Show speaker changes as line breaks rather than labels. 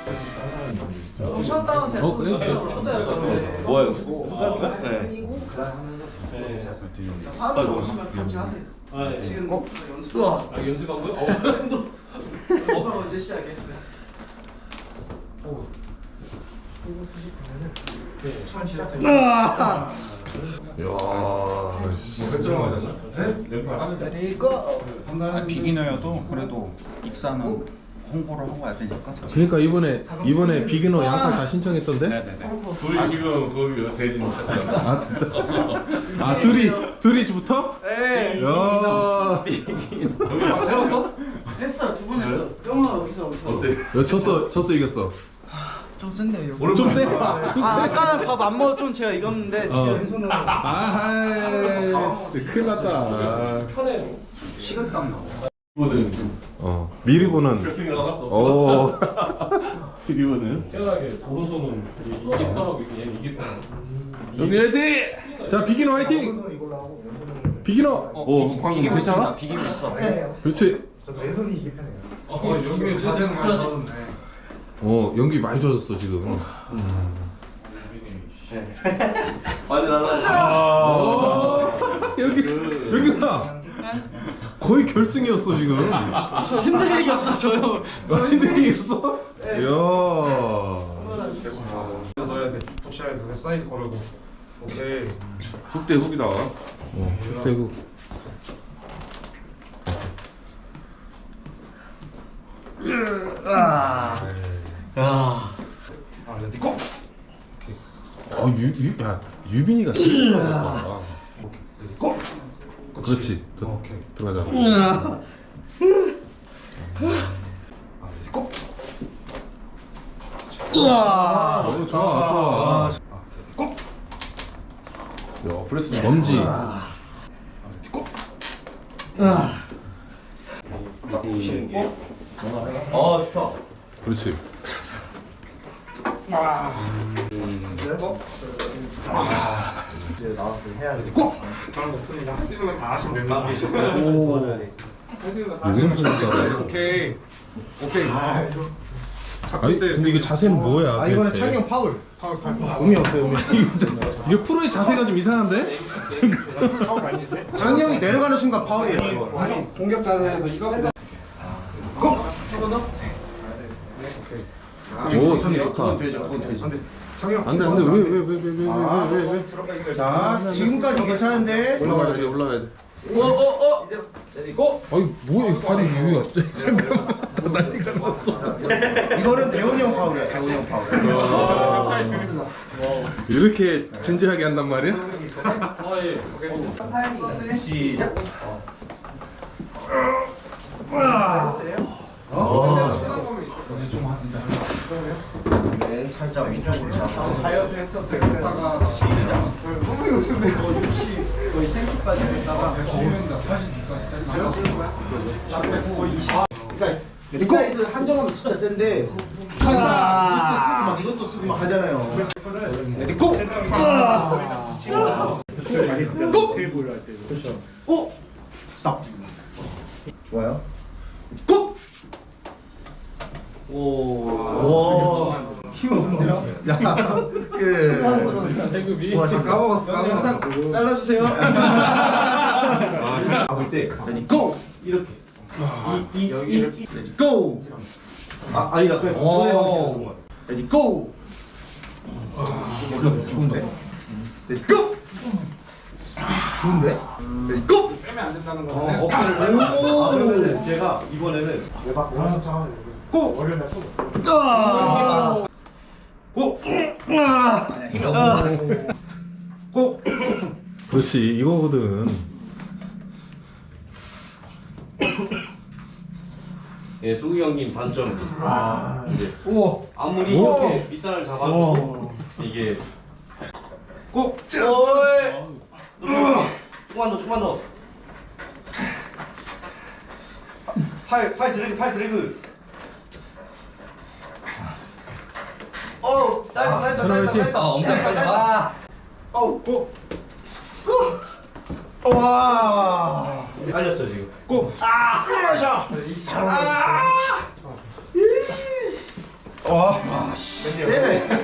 쉬었다가 그냥 쉬었다
뭐야?
네. 사람들 오시면 같이 하세요.
네.
지금 연습.
연습하고요?
언제 시작했어요? 처음 시작했어요.
비기너여도 그래도 익사는 홍보를 하고 와야 되니까.
그러니까 이번에 비기너 양팔 다 신청했던데?
둘이 지금 거기 대진 갔어요.
아 진짜? 아 둘이부터?
네.
야.
여기 막 해봤어?
했어, 2번 했어. 영화 여기서.
어때?
야, 졌어 이겼어.
좀 센데 이거.
좀 세?
아까는 밥 안 먹었던 제가 이겼는데 지금 왼손으로.
아, 큰일 났다.
편해요.
식은땀 나고.
이거는
미리 보는.
결승이랑 나갔어.
오.
이거는
편하게 오른손은 이게 편하고 얘는 이게 편하고.
여기 화이팅! 자 비기너 화이팅!
왼손 이걸로 하고 왼손은.
비기너.
오 방금 괜찮아?
비기고 있어.
그렇지.
저도 왼손이 이게 편해요.
여기 자세는 많이 좋았는데.
연기 많이 좋아졌어 지금.
많이 날라.
여기가 거의 결승이었어 지금.
저 힘들게 이겼어 저요.
힘들게 이겼어? 이야.
넣어야 돼. 푸시해야 돼. 사이드 걸고. 오케이.
훅대 훅이다.
대구.
야.
레디 고.
야 유빈이가 진짜 잘한다.
레디 고.
그렇지.
오케이.
들어가자.
레디 고.
좋아 좋아.
레디 고.
야 프레스 넘지.
레디 고.
보시는 게.
좋다.
그렇지.
이제 나와서 해야지.
고.
여기는 진짜.
오케이. 오케이. 잡고
아니
있어요.
근데 이게 자세는 뭐야?
이번에
도대체?
찬이 형 파울.
파울.
의미 없어요, 의미.
이게 프로의 자세가 좀 이상한데?
찬이 형이 내려가는 순간 파울이에요. 이거.
아니 공격 자세에서 이거. 고.
오, 찬이 좋다.
그건 되죠. 그건 되죠. 안돼. 창영.
안돼 안돼 왜?
자, 지금까지 괜찮은데.
올라가야 돼 올라가야 돼.
오. 내리고.
아니 뭐야 이 발이 여기가 잠깐만 다 난리가 났어.
이거는 대훈이 형 파울이야. 대훈이 형 파울.
이렇게 진지하게 한단 말이야?
시작. 네, 살짝 위쪽으로 잡고 다이어트 했었어요. 시작. 너무 요즘에 거의 생초까지 했다가 거의 20. 그러니까 인사이드 한정하면 진짜 센데 이것도 쓰고 막 하잖아요. 레디 고! 고! 그렇죠. 고! 스탑. 좋아요. 고! 오. 힘 없는데요? 야. 와, 지금 까먹었어. 영상 잘라주세요.
잡을 때
레디 고!
이렇게.
레디 고!
아니다 그냥
오. 레디 고! 좋은데? 레디 고! 좋은데? 레디 고!
빼면 안 된다는
오!
그러면은 제가 이번에는
고!
고!
고!
그렇지 이거거든.
예, 수기 형님 단점 이제
오!
아무리 이렇게 밑단을 잡아도 이게
고!
조금만 더 팔 드래그
나이스.
엄청 빨리 와.
고! 와!
알렸어요 지금
고! 아! 자! 쟤네